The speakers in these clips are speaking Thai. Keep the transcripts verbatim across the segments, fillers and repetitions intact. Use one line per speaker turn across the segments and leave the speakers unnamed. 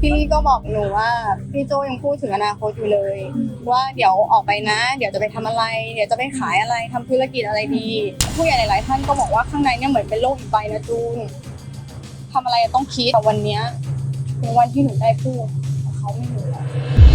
พี่ลี่ก็บอกหนูว่าพี่โจยังพูดถึงอนาคตอยู่เลยว่าเดี๋ยวออกไปนะเดี๋ยวจะไปทำอะไรเดี๋ยวจะไปขายอะไรทำธุรกิจอะไรดีผู้ใหญ่หลายๆท่านก็บอกว่าข้างในเนี่ยเหมือนเป็นโลกอีกใบนะจูนทำอะไรต้องคิดแต่วันเนี้ยเป็นวันที่หนูได้พูดเขาไม่รู้แล้ว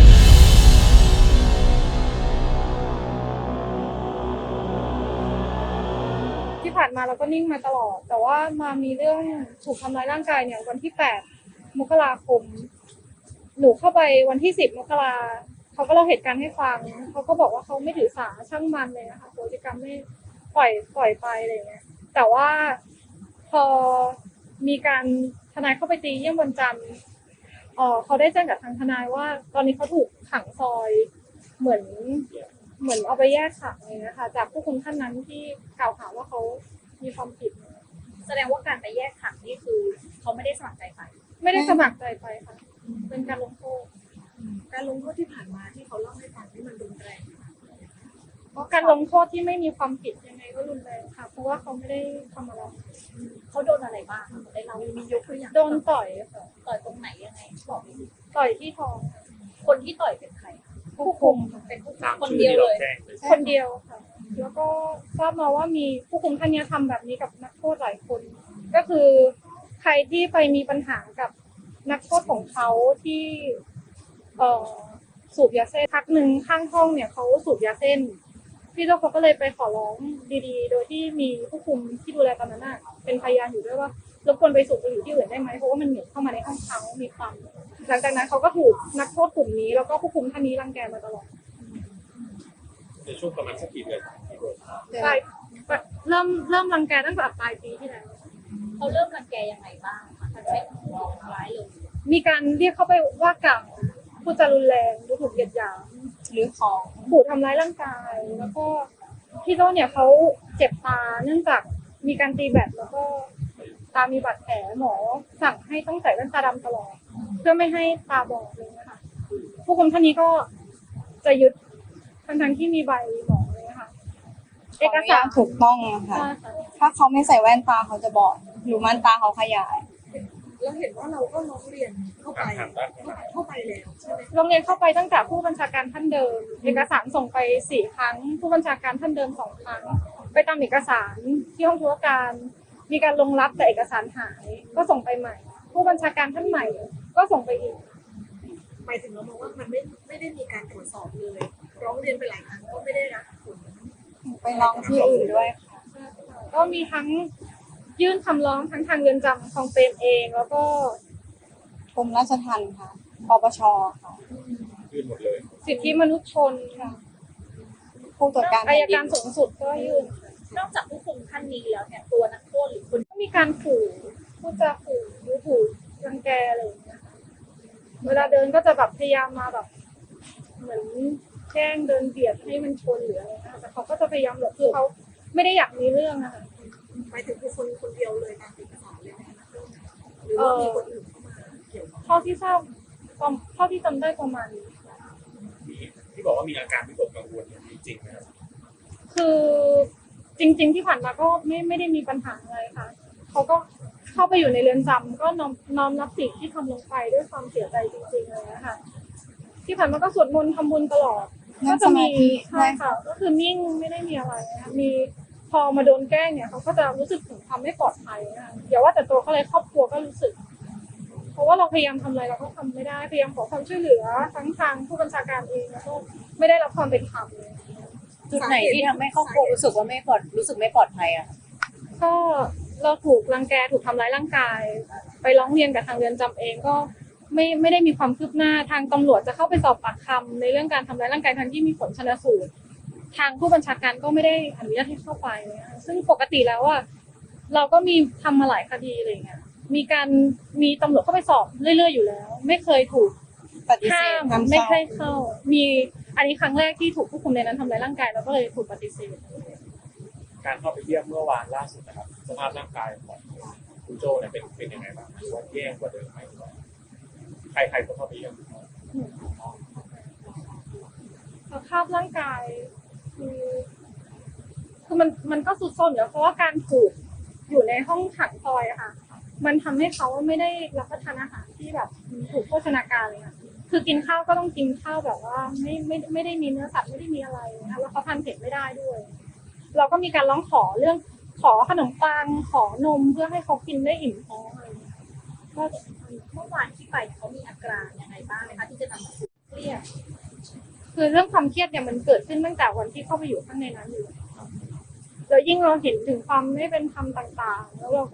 ที่ผ่านมาเราก็นิ่งมาตลอดแต่ว่ามามีเรื่องถูกทำร้ายร่างกายเนี่ยวันที่แปดมกราคมหนูเข้าไปวันที่สิบมกราเขาก็เล่าเหตุการณ์ให้ฟังเขาก็บอกว่าเขาไม่ถือสาช่างมันเลยนะคะโพฤติกรรมไม่ปล่อยปล่อยไปอะไรเงี้ยแต่ว่าพอมีการทนายเข้าไปตีเยี่ยมวันจันทร์เออเขาได้แจ้งกับทางทนายว่าตอนนี้เขาถูกขังซอยเหมือนเหมือนเอาไปแยกขังเลยนะคะจากผู้คุมท่านนั้นที่กล่าวหาว่าเขามีความผิด
แสดงว่าการไปแยกขังนี่คือเขาไม่ได้สมัครใจไป
ไม่ได้สมัครใจไปค่ะเป็นการลงโทษ
การลงโทษที่ผ่านมาที่เขาเล่าให้ฟังนี่มันรุนแรง
เพราะการลงโทษที่ไม่มีความผิดยังไงก็รุนแรงค่ะเพราะว่าเขาไม่ได้ทำอะไร
เขาโดนอะไรบ้างได้เรามียกตัวอย่าง
โดนต่อยค่ะ
ต่อยตรงไหนยังไงบอกดิ
ต่อยที่ท้อง
คนที่ต่อยเป็นใคร
ผู้คุม
เป็นผู้คุมคนเดียวเลย
คนเดียวค่ะแล้วก็ทราบมาว่ามีผู้คุมท่านนี้ทำแบบนี้กับนักโทษหลายคนก็คือใครที่ไปมีปัญหากับนักโทษของเขาที่เอ่อสูบยาเส้นพักหนึ่งข้างห้องเนี่ยเขาสูบยาเส้นพี่โจ้เขาก็เลยไปขอร้องดีๆโดยที่มีผู้คุมที่ดูแลตอนนั้นน่ะเป็นพยานอยู่ด้วยว่ารบกวนไปสูบไปอยู่ที่อื่นได้ไหมเพราะว่ามันเหม็นเข้ามาในห้องเขามีความหลังจากนั้นเขาก็ถูกนักโทษกลุ่มนี้แล้วก็ผู้คุมท่านนี้รังแกมาตลอด
ในช่วงประมาณสักกี่เดือน
ใช่เริ่มเริ่มรังแกตั้งแต่ปลายปีที่แล้ว
เขาเริ่มรังแกยังไงบ้างคะมันใช้ของเราทำร้ายเลย
มีการเรียกเข้าไปว่ากล่าวพูดจารุนแรงดูถูกเหยียดหยาม
หรือของ
ขู่ทำร้ายร่างกายแล้วก็พี่โจ้เนี่ยเขาเจ็บตาเนื่องจากมีการตีแบตแล้วก็ตามีบาดแผลหมอสั่งให้ต้องใส่แว่นตาดำตลอดเพื่อไม่ให้ตาบอดเลยนะคะผู้คุมท่านนี้ก็จะยึดทั้งทั้งที่มีใบหมอเลยนะคะ
เอกสารถูกต้องนะคะถ้าเขาไม่ใส่แว่นตาเขาจะบอดหรือม่านตาเขาขยาย
แล้วเห็นว่าเราก็ร้องเรียนเข้าไปเข้าไปแล้วใช่ไหม
โรงเรียนเข้าไปตั้งแต่ผู้บัญชาการท่านเดิมเอกสารส่งไปสี่ครั้งผู้บัญชาการท่านเดิมสองครั้งไปตามเอกสารที่ห้องธุรการมีการลงรับแต่เอกสารหายก็ส่งไปใหม่ผู้บัญชาการท่านใหม่ก็ส่งไปอีก
หมายถึงเรามองว่ามันไม่ไม่ได้มีการตรวจสอบเลยร้องเรียนไปหลายครั้งก็ไม่ได้รับผล
ไปร้องที่อื่นด้วยค่ะ
ก็มีทั้งยื่นคำร้องทั้งทางเรือนจำคลองเปรมเองแล้วก็
กรมราชทัณฑ์ค่ะปปชค่ะ
ยื่นหมดเลย
สิทธิมนุษยชนค่ะ
ผู้ตรวจการ
อัยการสูงสุดก็ยื่น
นอกจากผู้คุมท่านนี้แล้วเนี่ยตัวนักโทษหรือคน
ก็มีการขู่พูดจาขู่ดูถูกรังแกอะไรอย่างเงี้ยเวลาเดินก็จะแบบพยายามมาแบบเหมือนแกล้งเดินเบียดให้มันชนหรืออะไรนะแต่เขาก็จะพยายามหลบคือเขาไม่ได้อยากมีเรื่องนะคะ
หมายถึงคือคนคนเดียวเลยตามเอกสารเลยไหมคะหรือว่ามีคนอื่นเข้ามาเกี่ยว
เท่าที่ทราบเท่าที่จำได้ประมาณนี้
ที่บอกว่ามีอาการวิตกกังวลจริงๆนะครับ
คือจริงๆที่ผ่านมาก็ไม่ไม่ได้มีปัญหาอะไรค่ะเขาก็เข้าไปอยู่ในเรือนจำก็น้อมน้อมรับสิ่งที่ทำลงไปด้วยความเสียใจจริงๆเลยนะคะที่ผ่านมาก็สวดมนต์ทำบุญตลอดก็จะมีใช่ค่ะก็คือนิ่งไม่ได้มีอะไรนะคะมีพอมาโดนแกล้งเนี่ยเขาก็จะรู้สึกถึงความไม่ปลอดภัยนะคะอย่าว่าแต่ตัวเขาเลยครอบครัวก็รู้สึกเพราะว่าเราพยายามทำอะไรเราก็ทำไม่ได้พยายามขอความช่วยเหลือทั้งทางผู้บัญชาการเองแล้วก็ไม่ได้รับความเป็นธรรมเลย
จุดไหนที่ทำให้ครอบครัวรู้สึกว่าไม่ปลอดรู้สึกไม่ปลอดภัยอ่ะ
ก็เราถูกรังแกถูกทำร้ายร่างกายไปร้องเรียนกับทางเรือนจำเองก็ไม่ไม่ได้มีความคืบหน้าทางตำรวจจะเข้าไปสอบปากคำในเรื่องการทำร้ายร่างกายทั้งที่มีผลชันสูตรทางผู้บัญชาการก็ไม่ได้อนุญาตให้เข้าไปซึ่งปกติแล้วว่าเราก็มีทำมาหลายคดีอะไรเงี้ยมีการมีตำรวจเข้าไปสอบเรื่อยๆอยู่แล้วไม่เคยถูก
ปฏิเสธ
ไม่เคยเข้ามีอันนี้ครั้งแรกที่ถูกผู้คุมในนั้นทำร้ายร่างกายแล้วก็เลยถูกปฏิเสธ
การเข้าไปเยี่ยมเมื่อวานล่าสุดนะครับสภาพร่างกายของคุณโจเนี่ยเป็นเป็นยังไงบ้างหรือว่าแย่กว่าเดิมไหมใครใครก็เข้าไปเยี่ยม
สภาพร่างกายคือคือมันมันก็สุดโทรมอยู่เพราะว่าการถูกอยู่ในห้องขังซอยอะค่ะมันทำให้เขาไม่ได้รับประทานอาหารที่แบบมีถูกโภชนาการเลยค่ะคือกินข้าวก็ต้องกินข้าวแบบว่าไม่ไม่ไม่ได้มีเนื้อสัตว์ไม่ได้มีอะไรนะคะแล้วเขาทานเผ็ดไม่ได้ด้วย เราก็มีการร้องขอเรื่องขอขนมปังขอนมเพื่อให้เขากินได้อิ่มท้องอะไรอย่างเงี้ยก็
เมื่อวานที่ไปเขามีอาการยังไงบ้างไหมคะที่จะทำให้เครียด
คือเรื่องความเครียดเนี่ยมันเกิดขึ้นตั้งแต่วันที่เข้าไปอยู่ข้างในนั้นอยู่แล้วยิ่งเราเห็นถึงความไม่เป็นธรรมต่างๆ แล้วเราก็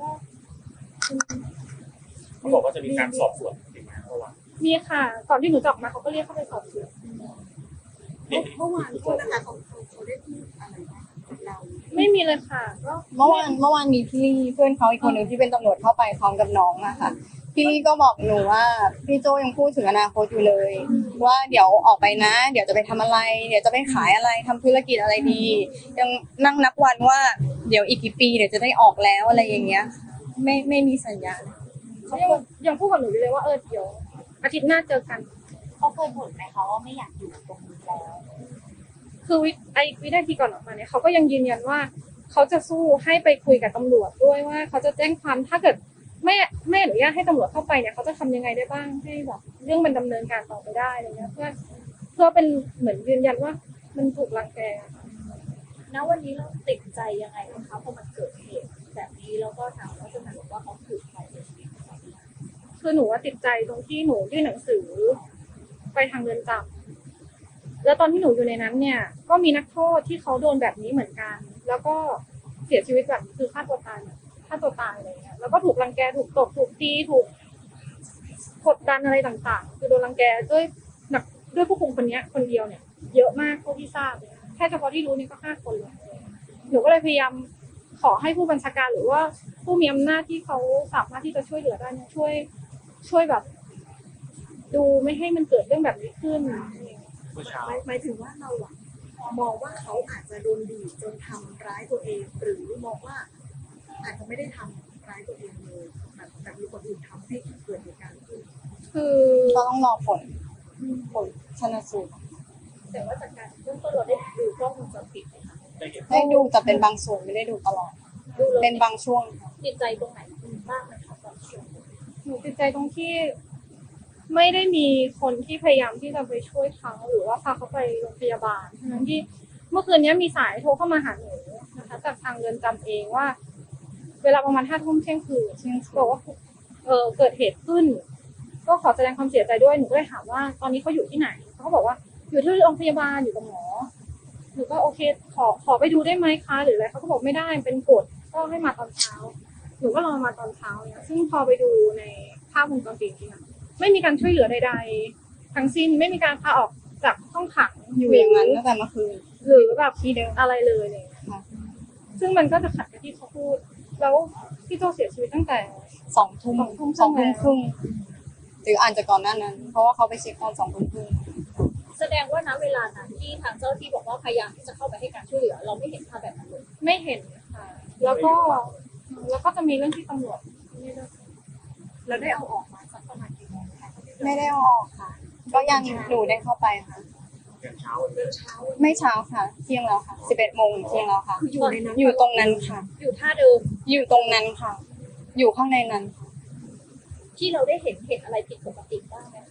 เขาบอกว่าจะมีการสอบสวนจริงไหมเมื่อวาน
มีค่ะก่อนที่หนูจะออกมาเขาก็เรียกเข้าไปสอบสวน
เมื่อวานโทษนะคะเขาเขาเขาได้พูดอะไรบ้างกับเรา
ไม่มีเลยค่ะก็
เมื่อวานเมื่อวานมีพี่เพื่อนเขาอีกคนหนึ่งที่เป็นตำรวจเข้าไปพร้อมกับน้องอะค่ะพี่ก็บอกหนูว่าพี่โจยังพูดถึงอนาคตอยู่เลย ว่าเดี๋ยวออกไปนะ เดี๋ยวจะไปทำอะไร เดี๋ยวจะไปขายอะไรทำธุรกิจอะไรดี ยังนั่งนับวันว่าเดี๋ยวอีกกี่ปีเดี๋ยวจะได้ออกแล้วอะไรอย่างเงี้ย ไม่ไม่มีสัญญาณ
เขายังยังพูดกับหนูอยู่เลยว่าเออเดี๋ยวอาทิตย์หน้าเจอกัน
เขาเคยบ่นไหมคะว่าไม่อยากอยู่ตรงนี้แล้ว
คือวิไอวินาทีก่อนออกมาเนี่ยเขาก็ยังยืนยันว่าเขาจะสู้ให้ไปคุยกับตำรวจด้วยว่าเขาจะแจ้งความถ้าเกิดไม่ไม่อนุญาตให้ตำรวจเข้าไปเนี่ยเขาจะทำยังไงได้บ้างให้แบบเรื่องมันดำเนินการต่อไปได้อะไรเงี้ยเพื่อเพื่อเป็นเหมือนยืนยันว่ามันถูกรังแก
ณวันนี้เราติดใจยังไงบ้างคะพอมันเกิดเหตุแบบนี้แล้วก็ทางรัฐบาลบอกว่าเขาถูกใครเสียชีวิต
คือหนูว่าติดใจตรงที่หนูยื่นหนังสือไปทางเรือนจำแล้วตอนที่หนูอยู่ในนั้นเนี่ย ก็มีนักโทษที่เขาโดนแบบนี้เหมือนกัน แล้วก็เสียชีวิตแบบคือฆ่าตัวตายฆ่าตัวตายอะไรเงี้ยแล้วก็ถูกรังแกถูกตบถูกตีถูกกดดันอะไรต่างๆ คือโดนรังแกด้วยหนักด้วยผู้คุมคนนี้คนเดียวเนี่ย เยอะมากเท่าที่ทราบเลยแค่เฉพาะที่รู้นี่ก็ห้าคนเลยหนูก็เลยพยายามขอให้ผู้บัญชาการหรือว่าผู้มีอำนาจที่เขาสามารถที่จะช่วยเหลือได้เนี่ยช่วย ช่วยแบบ ดูไม่ให้มันเกิดเรื่องแบบนี้ขึ้น
เมื่อเช้า
หมายหมายถึงว่าเราอะมองว่าเขาอาจจะโดนบีบจนทำร้ายตัวเอง หรือมองว่าอาจจะไม่ได้ทำร้ายตัวเองเลยแบบแต่มีคนอื่นทำให้เกิดเหตุการณ์ขึ้น
คือ
ก็ต้องรอผลผลชนสูตร
แต่ว่าจากการเบื้องต้นเราได้ดูกล้องวงจรปิดไหมคะ
ได้เห็น
ได้ดูแต่เป็นบางส่วนไม่ได้ดูตลอด
ดูแล้ว
เป็นบางช่วงค่ะ
ติดใจตรงไหนบ้างไหมคะตอนช่วง
หนูติดใจตรงที่ ไม่ได้มีคนที่พยายามที่จะไปช่วยเขาหรือว่าพาเขาไปโรงพยาบาลทั้งที่เมื่อคืนนี้มีสายโทรเข้ามาหาหนูนะคะจากทางเรือนจำเองว่า เวลาประมาณห้าทุ่มเที่ยงคืนบอกว่าเออเกิดเหตุขึ้น ก็ขอแสดงความเสียใจด้วยหนูก็เลยถามว่าตอนนี้เขาอยู่ที่ไหนเขาก็บอกว่าอยู่ที่โรงพยาบาลอยู่กับหมอหนูก็โอเคขอขอไปดูได้ไหมคะหรืออะไรเขาก็บอกไม่ได้เป็นกฎก็ให้มาตอนเช้าหนูก็รอมาตอนเช้าเนี่ยซึ่งพอไปดูในภาพวงจรปิดจริงๆไม่มีการช่วยเหลือใดๆทั้งสิ้นไม่มีการพาออกจากห้องขัง
อยู่อย่างนั้นตั้งแต่เมื่อคืน
หรือแบบ
ที่เดิม
อะไรเลยเนี่ย
ค่ะ
ซึ่งมันก็จะขัดกับที่เขาพูด แล้วพี่โจเสียชีวิตตั้งแต่
สองทุ่ม
สองทุ่ม
สองทุ่ม
ค
ค
รึ่
รึ่
ง
งหรืออาจจะก่อนหน้านั้น เพราะว่าเขาไปเช็คตอนสองทุ่มครึ่ง
แสดงว่าณเวลานั้นที่ทางเจ้าหน้าที่บอกว่าพยายามที่จะเข้าไปให้การช่วยเหลือ เราไม่เห็นภาพแบบนั้นเลย
ไม่เห็นค่ะ แล้วก็ แล้วก็จะมีเรื่องที่ตำรวจนี่ด้วย
แล้วได้เอาออกมาสักประมาณกี่โมงคะ
ไม่ได้เอาออกค่ะ ก็ยังหนูได้เข้าไปค่ะ
อย่างเช้า
เรื่องเช้า
ไม่เช้าค่ะ เที่ยงแล้วค่ะสิบเอ็ดโมงเที่ยงแล้วค่ะ
คืออยู่ในนั้น
อยู่ตรงนั้นค่ะ
อยู่ท่าเดิม
อยู่ตรงนั้นค่ะ อยู่ข้างในนั้นค่ะ
ที่เราได้เห็นเห็นอะไรผิดปกติบ้างไหมคะ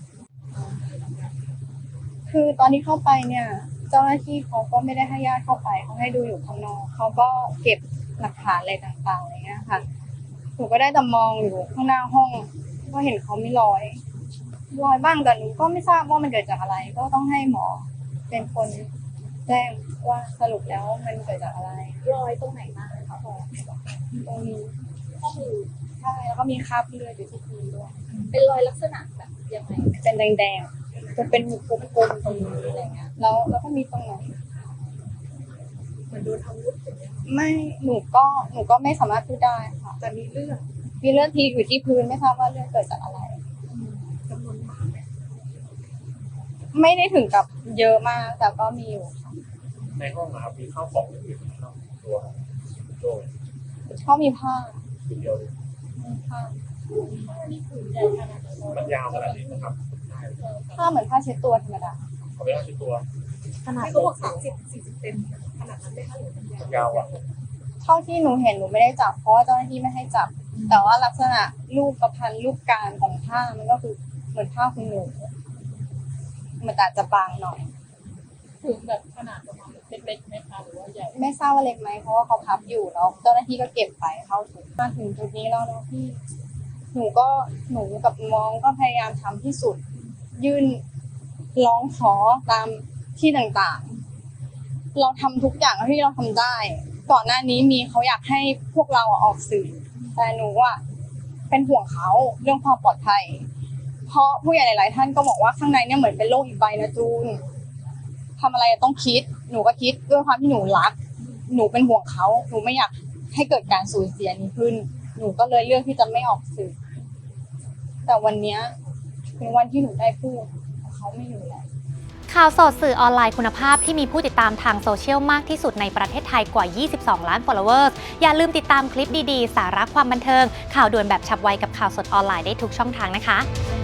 คือตอนที่เข้าไปเนี่ย เจ้าหน้าที่เขาก็ไม่ได้ให้ญาติเข้าไปเขาให้ดูอยู่ข้างนอกเขาก็เก็บหลักฐานอะไรต่างๆอะไรเงี้ยค่ะหนูก็ได้แต่มองอยู่ข้างหน้าห้องก็เห็นเขามีรอยรอยบ้างแต่หนูก็ไม่ทราบว่ามันเกิดจากอะไร ก็ต้องให้หมอเป็นคนแจ้งว่าสรุปแล้วมันเกิดจากอะไร
รอยตรงไหนบ้างคะพอ
ตรงนี้
ข้อมือ
ใช่แล้วก็มีคราบเลือดอยู่ที่พื้นด้วย
เป็นรอยลักษณะแบบยังไง
เป็นแดงๆจะเป็นกลมๆตรงนี้อะไรเงี้ยแล้วแล้วก็มีตรงไหน
เหมือนโดนอาวุธอย่างเงี้ย
ไม่หนูก็หนูก็ไม่สามารถพูดได้ค่ะ
แต่มีเลือด
มีเลือดทีอยู่ที่พื้นไม่ทราบว่าเลือดเกิดจากอะไร
จำนวนมากไหม
ไม่ได้ถึงกับเยอะมากแต่ก็มีอยู่ค่ะ
ในห้องนะครับมีข้าวของอื่นๆนะครับตัวโจ
ก็มีผ้า
คนเดียวเลย
มีผ้า
นี่คือใหญ่ขนาดไหน
มันยาวขนาดนี้นะครับใช่
ผ้าเหมือนผ้าเช็ดตัวธรรมดา
เขาไม่ต้องใช้ตัว
ขนาด
ที่เขาบอกสามสิบสี่สิบเซนขนาดนั้นได้ค่ะหรือมันยาว
มันยาวอ่ะ
เท่าที่หนูเห็นหนูไม่ได้จับเพราะว่าเจ้าหน้าที่ไม่ให้จับแต่ว่าลักษณะรูปประพันธ์รูปการของผ้ามันก็คือเหมือนผ้าคุณหนูมันอาจจะบางหน่อย
ถึงแบบขนาดประมาณเล็กๆไหมคะหรือว่าใหญ่
ไม่ทราบว่าเล็กไหมเพราะว่าเขาพับอยู่แล้วเจ้าหน้าที่ก็เก็บไปเข้าถุงมาถึงจุดนี้แล้วเนาะพี่หนูก็หนูกับน้องก็พยายามทำที่สุด ยื่นร้องขอตามที่ต่างๆ เราทำทุกอย่างที่เราทำได้ ก่อนหน้านี้มีเขาอยากให้พวกเราออกสื่อ แต่หนูอ่ะเป็นห่วงเขาเรื่องความปลอดภัย เพราะผู้ใหญ่หลายๆท่านก็บอกว่าข้างในเนี่ยเหมือนเป็นโลกอีกใบนะจูนทำอะไรต้องคิด หนูก็คิดด้วยความที่หนูรัก หนูเป็นห่วงเขา หนูไม่อยากให้เกิดการสูญเสียนี้ขึ้น หนูก็เลยเลือกที่จะไม่ออกสื่อ แต่วันเนี้ยเป็นวันที่หนูได้พูดเขาไม่อยู่แล้ว
ข่าวสดสื่อออนไลน์คุณภาพที่มีผู้ติดตามทางโซเชียลมากที่สุดในประเทศไทยกว่า ยี่สิบสอง ล้าน followers อย่าลืมติดตามคลิปดีๆ สาระความบันเทิง ข่าวด่วนแบบฉับไวกับข่าวสดออนไลน์ได้ทุกช่องทางนะคะ